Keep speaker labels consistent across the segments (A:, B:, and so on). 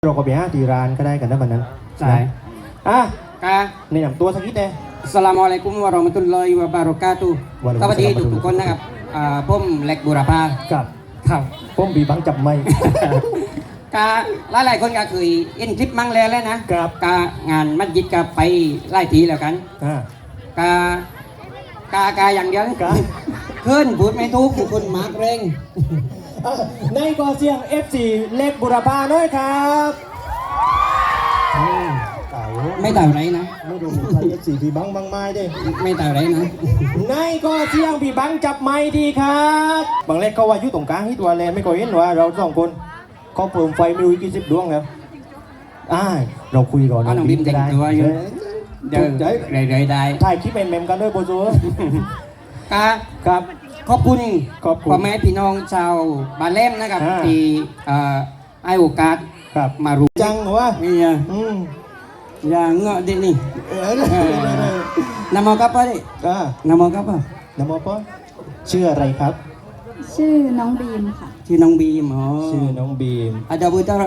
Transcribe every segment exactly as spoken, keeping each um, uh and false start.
A: เราก็ไปหาที่ร้านก็ได้กันนะบัดนั้น
B: ใช่
A: อ่ะ
B: กา
A: ในนำตัวสักนิดเลย
B: อัสสลามุอะลัยกุมวะเราะมะตุลลอฮิวะบารอกาตุฮ์
A: วะอะลัย
B: ส
A: กุ
B: วั
A: ม
B: สดี
A: สลาม
B: ทุกๆคนนะครับอ่าผมเล็กบุรพา
A: กับ
B: ครับ
A: ผมบีบังจับไม่
B: กาหลายๆคนก็เคยเห็นคลิปมั่งแล้วแล้วนะครับ กางานมัสยิดก็ไปไล่ทีแล้วกัน
A: อ่าก
B: ากากาอย่างเดียวเลย
A: กา
B: ขึ้นพูดไม่ถูกทุกคนมาร์กเร่ง
A: อ่ะในกอเสียง เอฟ ซี เล็กบุรพาด้วยครับอืมตายแล้ว
B: ไม่ต่างไรนะ
A: ไม่ดูใคร เอฟ ซี พี่บังบังไม้ดิ
B: ไม่ต่างไรนะ
A: ในกอเสียงพี่บังจับไม่ดีครับบางเล็กเขาว่าอยู่ตรงกลางที่ตัวแลนไม่ก็เห็นว่าเราสองคนเขาเปิมไฟไม่รู้กี่สิบดวงแล้วอ่าเราคุยก่อน
B: เอาน้องบิมแต่งตัวอยู่ เดี๋ยว
A: เดี๋ยว
B: เรื่อยๆได้
A: ถ่ายคลิปเมมๆกันด้วยโบจู
B: กา
A: ครับ
B: ขอบคุณ
A: ขอบคุณ
B: พ่อแม่พี่น้องชาวบานเล่มนะครับ
A: อ่า
B: ที่เอ่อให้โอกาส
A: ครับ
B: มารู้
A: จังเหรอวะ
B: นี่อ่ะ
A: อืม
B: อย่างเงาะดินี่
A: เออเลยเลยเลย
B: นำมอกับปะดิ
A: อ่าน
B: ำมอกับปะ
A: นโมปอชื่ออะไรครับ
C: ชื่อน้องบีมค่ะ
B: ชื่อน้องบีมอ๋อ
A: ชื่อน้องบีม
B: อาจารย์บุตร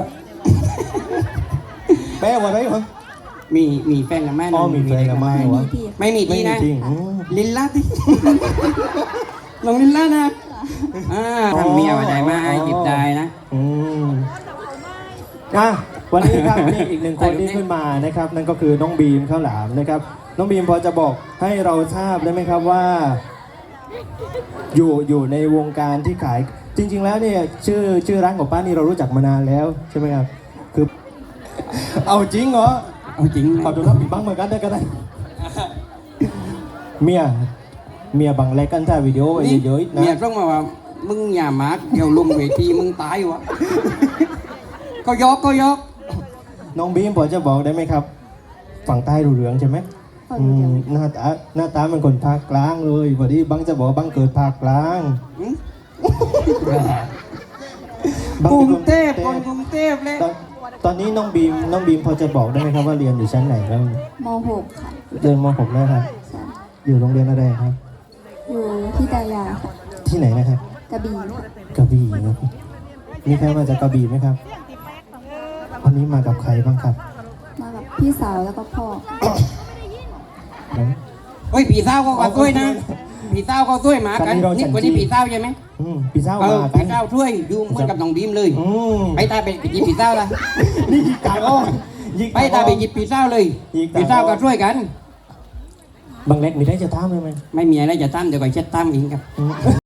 A: แปลว่าอะไรวะ
B: มีมีแฟนกับแม่
A: อ๋อมีแฟนกับแม่
C: ไม่
A: วะ
C: มีพี่
B: ไม่มี
A: ไม่
B: ที่
A: มี
B: นะ
A: จริงอืม
B: ลินลาดิ น้องลินลานะอ่า
A: อ๋อ
B: ทำเมียว่าได้มา
A: อ๋อ
B: หยิบได้นะ
A: อืมอ่ะวันนี้ครับ มีอีกหนึ่งคนที่ขึ้นมานะครับ นั่นก็คือน้องบีมข้าวหลามนะครับ น้องบีมพอจะบอกให้เราทราบได้ไหมครับว่า อยู่อยู่ในวงการที่ขาย จริง ๆ แล้วเนี่ยชื่อชื่อร้านของป้านี่เรารู้จักมานานแล้วใช่ไหมครับคือ เอาจริงเหรอ
B: เอาจริงนะ
A: เอาดูรับบีบังเหมือนกันได้ก็ได้ เมียเมียบังแลกกันถ่ายวิดีโอไว้
B: นี่
A: เยอะๆนะ
B: เมียต้องมาว่ามึงอย่ามาร์กเดี๋ยวลงเวทีมึงตายวะ ก็ยกก็ยก
A: น้องบีมพอจะบอกได้ไหมครับ ฝั่งใต้รู้เรื่องใช่ไหม
C: พอ
A: อื
C: รู้
A: ม
C: จัก
A: หน้าตาหน้าตาเป็นคนภาคกลางเลยพอดีบังจะบอกว่าบังเกิดภาคกลาง
B: อืม
A: บัง
B: กรุ
A: ป็น
B: ง
A: คน
B: เทพคนกรุงเทพเลย
A: ตอนตอนนี้น้องบีมน้องบีมพอจะบอกได้ไหมครับว่าเรียนอยู่ชั้นไหนแล้ว
C: ม หก ค่ะ
A: เรียนม .หก แล้วครับ
C: ใช่
A: อยู่โรงเรียนอะไรครับ
C: อยู่ที่ตายาค่ะ
A: ที่ไหนนะครับ
C: กระบี่ค่ะ
A: กระบี่ครับมีใครมาจากกระบี่ไหมครับวันนี้มากับใครบ้างครับ
C: มากับพี่สาวแล้วก็พ่อ
A: น้อง
B: เฮ้ยผีเศร้าเขาก็ช่วยนะผีเศร้าเขาช่วยหมากัน
A: ครับนี่เรา
B: นี่
A: ฉัน
B: คนนี้
A: จี้
B: ผีเศร้าใช่ไหม
A: อืมพี่เศร้า
B: เออ
A: มากั
B: ผี
A: น
B: เศร้าช่วยอยู่เหมือนกับน้องบีมเลย
A: อืม
B: ไปตาไปหยิบผีเศร้าละ
A: นี่ยิงกลางอ้อมยิง
B: ไปตาไปหยิบผีเศร้าเลย
A: ยิงตา
B: ผีเศร้าก็ช่วยกัน
A: บางเล็กมีได้จะท่ามไหมไหม
B: ไม่มีอะไรจะตั้มเดี๋ยวก่อนเช็ดตั้มเองครับ
A: อืม